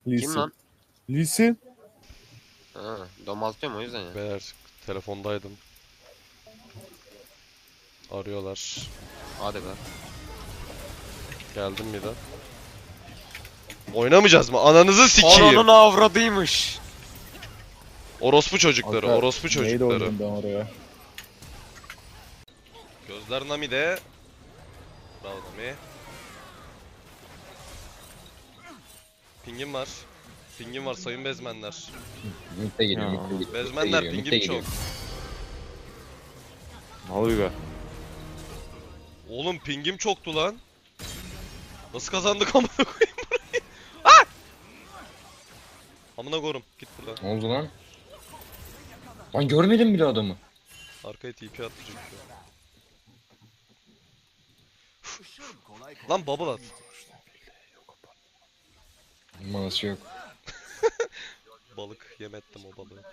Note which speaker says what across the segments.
Speaker 1: Lee
Speaker 2: Kim
Speaker 1: Sin.
Speaker 2: lan?
Speaker 1: Lee Sin.
Speaker 2: Ha, domaltıyorum o yüzden ya.
Speaker 3: Beyler telefondaydım. Arıyorlar.
Speaker 2: Hadi be.
Speaker 3: Geldim bir de. Oynamayacağız mı? Ananızı sikeyim.
Speaker 2: Ananın avradıymış.
Speaker 3: Orospu çocukları,
Speaker 1: Alper,
Speaker 3: orospu
Speaker 1: Neydi
Speaker 3: çocukları.
Speaker 1: oynadım ben oraya?
Speaker 3: Gözler Nami'de. Bravo Nami. Pingim var. Pingim var sayın bezmenler.
Speaker 4: Mitte geliyor,
Speaker 1: Ya.
Speaker 4: mitte geliyor. mitte
Speaker 3: Bezmenler
Speaker 4: geliyor, mitte
Speaker 3: pingim
Speaker 4: geliyor.
Speaker 3: çok.
Speaker 1: Ne oluyor be?
Speaker 3: Oğlum pingim çoktu lan. Nasıl kazandık amına koyayım burayı? Ah! Amına korum git buradan.
Speaker 4: Ne oldu lan? Lan görmedim bile adamı.
Speaker 3: Arkaya TP attı çünkü. Lan bubble at.
Speaker 4: Manası yok.
Speaker 3: Balık yemettim o balığı.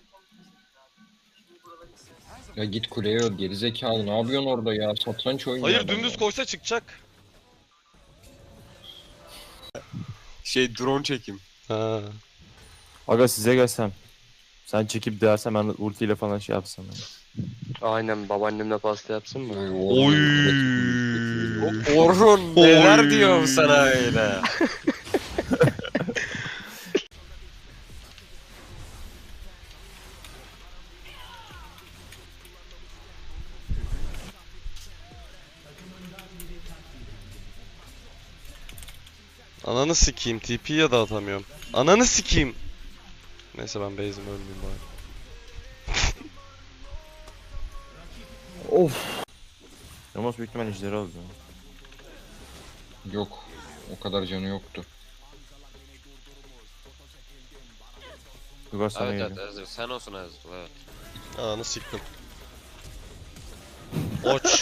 Speaker 4: Ya git kuleye öl gerizekalı, ne yapıyorsun orada ya? Satranç oynuyor
Speaker 3: Hayır
Speaker 4: adam
Speaker 3: dümdüz
Speaker 4: ya.
Speaker 3: koysa çıkacak.
Speaker 2: Drone çekim.
Speaker 3: Ha.
Speaker 1: Aga size gelsem. Sen çekip dersen ben ultiyle falan şey yapsam. Yani.
Speaker 5: Aynen babaannemle pasta yapsın mı?
Speaker 3: Oy.
Speaker 2: Orhun neler diyorum sana öyle.
Speaker 3: Ananı sikeyim TP ya da atamıyorum. Ananı sikeyim. Neyse ben base'im ölmeyeyim bari.
Speaker 1: Of. Ramos büyük ihtimal ejderi aldı.
Speaker 4: Yok. O kadar canı yoktu.
Speaker 1: Yuvar sana
Speaker 2: Evet
Speaker 1: geliyor.
Speaker 2: evet Ezra sen olsun Ezra evet.
Speaker 3: Ananı siktim. Oç.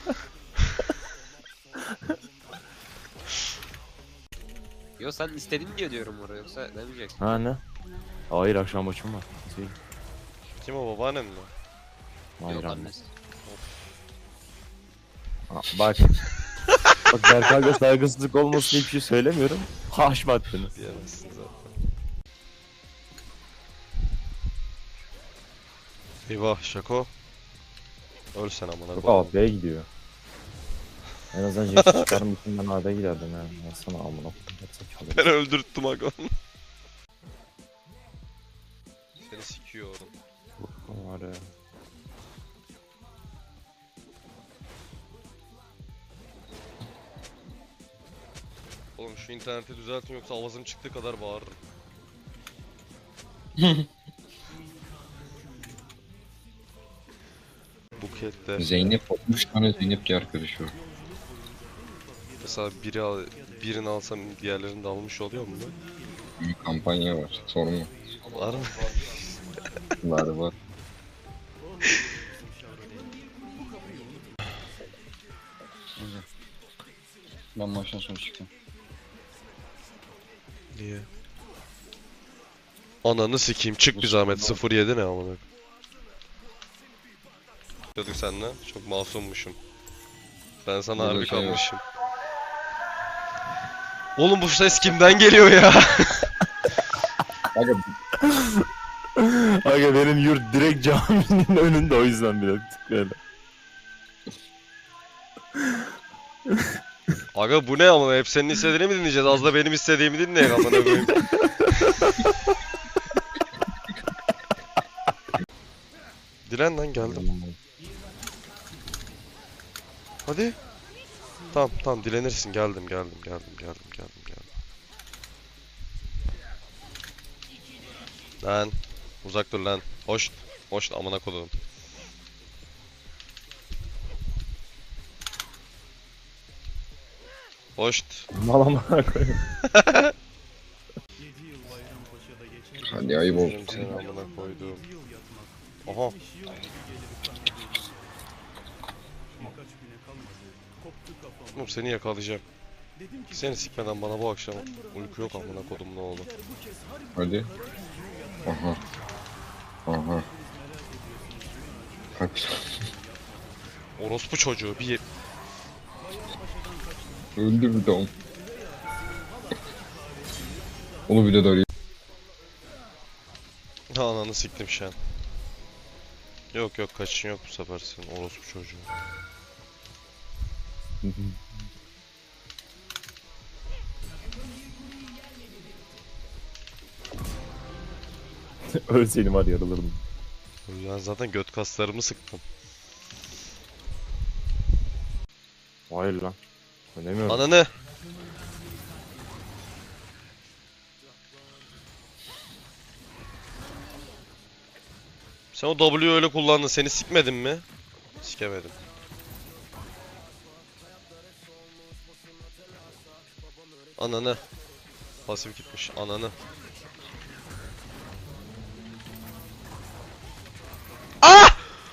Speaker 2: Yo sen istedin diye diyorum oraya yoksa demeyeceksin.
Speaker 1: Ha ne? Hayır akşam maçım var. Şey.
Speaker 3: Kim o babaannem mi?
Speaker 1: Hayır
Speaker 2: Yok
Speaker 1: anne.
Speaker 2: annesi.
Speaker 1: Ha, bak. Bak Berkay'da saygısızlık olmasın diye bir şey söylemiyorum. Haşma attınız.
Speaker 3: Diyemezsin zaten. Eyvah Şako. Öl sen amına
Speaker 1: Çok
Speaker 3: koyayım.
Speaker 1: AP'ye gidiyor. En azından Jack'i çıkarım için ben AP'ye giderdim ya. Nasıl amına koyayım.
Speaker 3: Ben öldürttüm aga. Seni sikiyor oğlum.
Speaker 1: Var ya.
Speaker 3: Oğlum şu interneti düzeltin yoksa avazım çıktığı kadar bağırırım. Bukette.
Speaker 4: Zeynep 60 tane Zeynep diye arkadaşı var.
Speaker 3: Mesela birini alsam diğerlerini de almış oluyor mu?
Speaker 4: Bir kampanya var. Sorun mu?
Speaker 3: Var mı?
Speaker 4: Var var. Ben maçtan sonra çıkacağım.
Speaker 3: Niye? Ananı sikeyim çık bir zahmet 07 ne amına. Dedik seninle çok masummuşum. Ben sana
Speaker 4: Burada
Speaker 3: harbi
Speaker 4: şey yok.
Speaker 3: kalmışım. Oğlum bu ses kimden geliyor ya?
Speaker 4: Aga
Speaker 1: Aga benim yurt direkt caminin önünde o yüzden bile tık böyle.
Speaker 3: Aga bu ne amına hep senin istediğini mi dinleyeceğiz? Az da benim istediğimi dinleyin amına koyayım. Dilen lan geldim. Hadi. Tamam dilenirsin geldim. Lan uzak dur lan. Hoş amına koyduğum. Hoş.
Speaker 1: Mal amına koyayım.
Speaker 4: hadi ayıp olsun.
Speaker 3: Seni amına koyduğum. Aha. Oğlum seni yakalayacağım. Seni sikmeden bana bu akşam uyku yok amına kodum ne oldu?
Speaker 4: Hadi. Aha. Aha. Kaç.
Speaker 3: Orospu çocuğu bir
Speaker 4: Öldü bir de onu. Onu bir de darayım.
Speaker 3: Ananı siktim şu an. Yok yok kaçın yok bu sefer senin orospu çocuğu.
Speaker 1: Ölseydim var yarılırdım.
Speaker 3: Ben zaten göt kaslarımı sıktım.
Speaker 1: Hayır lan. Önemiyorum.
Speaker 3: Ananı. Sen o W'yu öyle kullandın. Seni sikmedin mi? Sikemedim. Ananı. Pasif gitmiş. Ananı. Ah!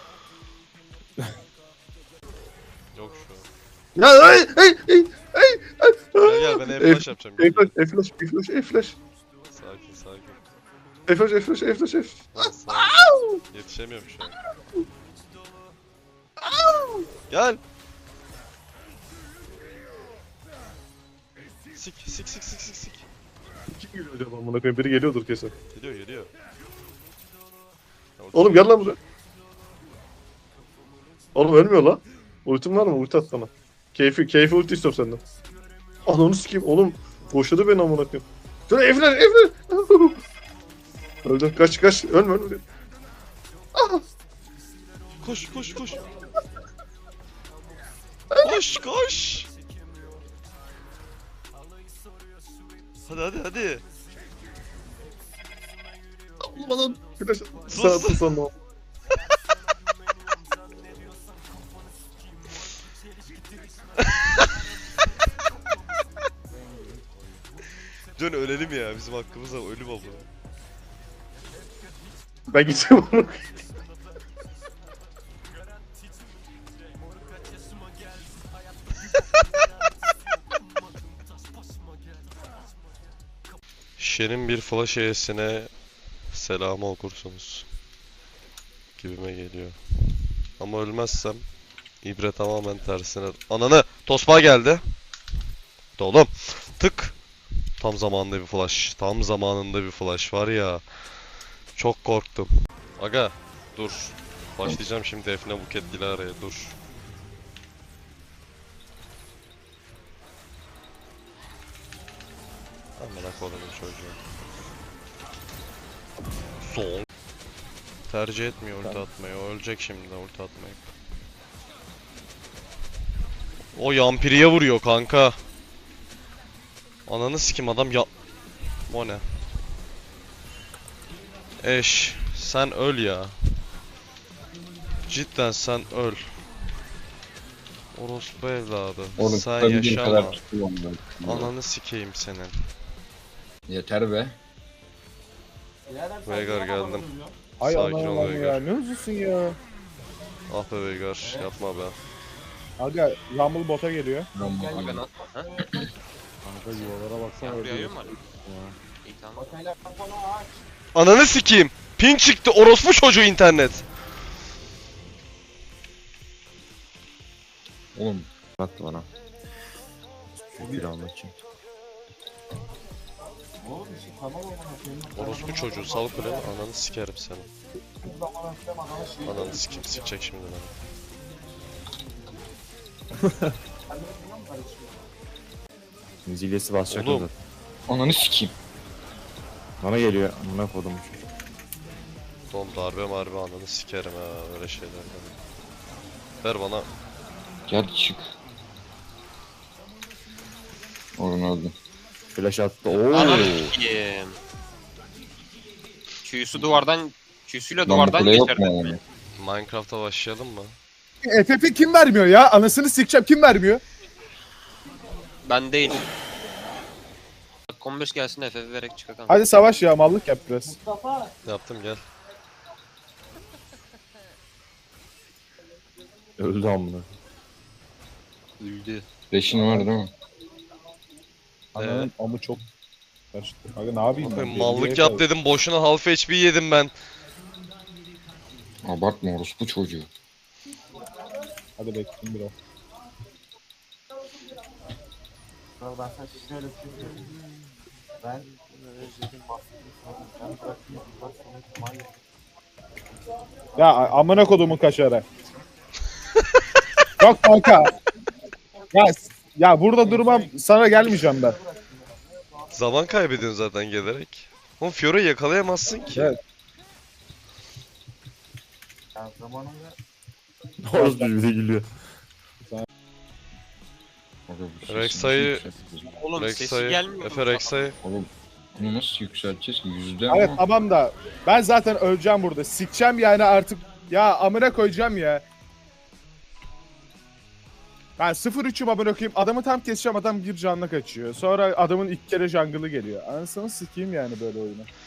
Speaker 3: Yok şu an.
Speaker 6: Ya ay ay ay ay.
Speaker 3: Gel gel ben F-flash yapacağım. Gel, gel.
Speaker 6: F-flash, F-flash, F-flash.
Speaker 3: Sakin sakin.
Speaker 6: F-flash, F-flash, F-flash, F.
Speaker 3: Lan sakin. Yetişemiyorum şu an. Gel. Sik sik sik sik sik sik.
Speaker 6: Kim geliyor acaba amına koyayım? Biri geliyordur kesin.
Speaker 3: Geliyor geliyor.
Speaker 6: Oğlum gel lan buraya. Oğlum ölmüyor lan. Ultin var mı? Ulti at bana. Keyfi ulti istiyorum senden. Ananı sikeyim oğlum. Boşladı beni amına koyayım. Dur F-flash, F-flash. Öldü. Kaç. Ölme.
Speaker 3: Koş koş koş. Koş koş. Hadi hadi hadi.
Speaker 6: Olmadan. Flash.
Speaker 3: Sus.
Speaker 6: Sağ sonra.
Speaker 3: Dön ölelim ya bizim hakkımızda ölüm oldu.
Speaker 6: Ben gideceğim onu.
Speaker 3: Şerin bir flash E'sine selamı okursunuz. Gibime geliyor. Ama ölmezsem ibre tamamen tersine. Ananı! Tosma geldi. Oğlum. Tık. Tam zamanında bir flash. Tam zamanında bir flash var ya. Çok korktum. Aga dur. Başlayacağım şimdi Defne Buket Dilara'ya dur. Amına kodumun çocuğu. Son. Tercih etmiyor ulti atmayı. O ölecek şimdi ulti atmayıp. O yampiriye vuruyor kanka. Ananı sikim adam ya... O ne? Eş, sen öl ya. Cidden sen öl. Orospu evladı.
Speaker 4: Oğlum
Speaker 3: Sen
Speaker 4: tutabildiğim
Speaker 3: yaşama.
Speaker 4: kadar tutuyorum ben.
Speaker 3: Ananı sikeyim senin.
Speaker 4: Yeter be.
Speaker 3: Veigar geldim.
Speaker 1: Ay
Speaker 3: Sakin
Speaker 1: aman
Speaker 3: ol
Speaker 1: Allah'ım
Speaker 3: Veigar.
Speaker 1: ya. Ne hızlısın ya.
Speaker 3: Ah be Veigar yapma be.
Speaker 1: Aga Rumble bota geliyor.
Speaker 2: Aga ne? Ha?
Speaker 1: Kanka yuvalara baksana
Speaker 2: Yağmur yağıyor
Speaker 1: öldü.
Speaker 2: mu hala? İyi tamam.
Speaker 3: Ananı sikeyim. Ping çıktı orospu çocuğu internet.
Speaker 4: Oğlum
Speaker 1: Attı bana. Bir anlatacağım.
Speaker 3: Orospu çocuğu sal kuleni ananı sikerim seni. Ananı sikeyim sikecek şimdi beni.
Speaker 1: Müzilyesi basacak
Speaker 3: Oğlum.
Speaker 1: orada.
Speaker 4: ananı sikeyim.
Speaker 1: Bana geliyor. Amına kodum çocuk.
Speaker 3: Oğlum darbe marbe ananı sikerim ha öyle şeylerden. Ver bana.
Speaker 4: Gel çık. Orun öldü.
Speaker 1: Flash attı. Oo.
Speaker 2: Ananı s**eyim. Q'su duvardan... Q'suyla
Speaker 4: Lan bu
Speaker 2: duvardan
Speaker 4: kule yok
Speaker 2: geçirdim.
Speaker 4: mu yani?
Speaker 3: Minecraft'a başlayalım mı?
Speaker 7: FF'i kim vermiyor ya? Anasını sikeceğim kim vermiyor?
Speaker 2: Ben değil. Dakika 15 gelsin FF vererek çıkakalım.
Speaker 7: Hadi savaş ya mallık yap biraz.
Speaker 3: Yaptım gel.
Speaker 1: Öldü amına.
Speaker 2: Öldü.
Speaker 4: Beşin var değil mi?
Speaker 7: Ananın amı çok karıştı. Aga ne yapayım ben?
Speaker 3: Bakın mallık yap dedim boşuna half HP yedim ben.
Speaker 4: Abartma orospu çocuğu.
Speaker 7: Hadi bekleyin biraz.
Speaker 8: Ben sana şöyle bir şey söyleyeyim. Ben özledim bahsettim. Ben bırakayım.
Speaker 7: Ya amına kodumun kaşarı. Yok kanka. Ya burada durmam, sana gelmeyeceğim ben.
Speaker 3: Zaman kaybediyorsun zaten gelerek. Oğlum Fiora'yı yakalayamazsın ki.
Speaker 7: Evet.
Speaker 8: Ya zamanında
Speaker 1: Orası bize gülüyor.
Speaker 4: Aga bu sesi
Speaker 3: Rek'Sai-
Speaker 4: nasıl yükselteceğiz?
Speaker 2: Oğlum sesi
Speaker 3: Rek'Sai,
Speaker 2: gelmiyor.
Speaker 3: Efe Rek'Sai.
Speaker 4: Oğlum bunu nasıl yükselteceğiz ki? Yüzde
Speaker 7: Evet
Speaker 4: mi?
Speaker 7: tamam da ben zaten öleceğim burada. Sikeceğim yani artık. Ya amına koyacağım ya. Ben 0-3'üm amına koyayım. Adamı tam keseceğim, adam bir canla kaçıyor. Sonra adamın ilk kere jungle'ı geliyor. Anasını sikeyim yani böyle oyunu.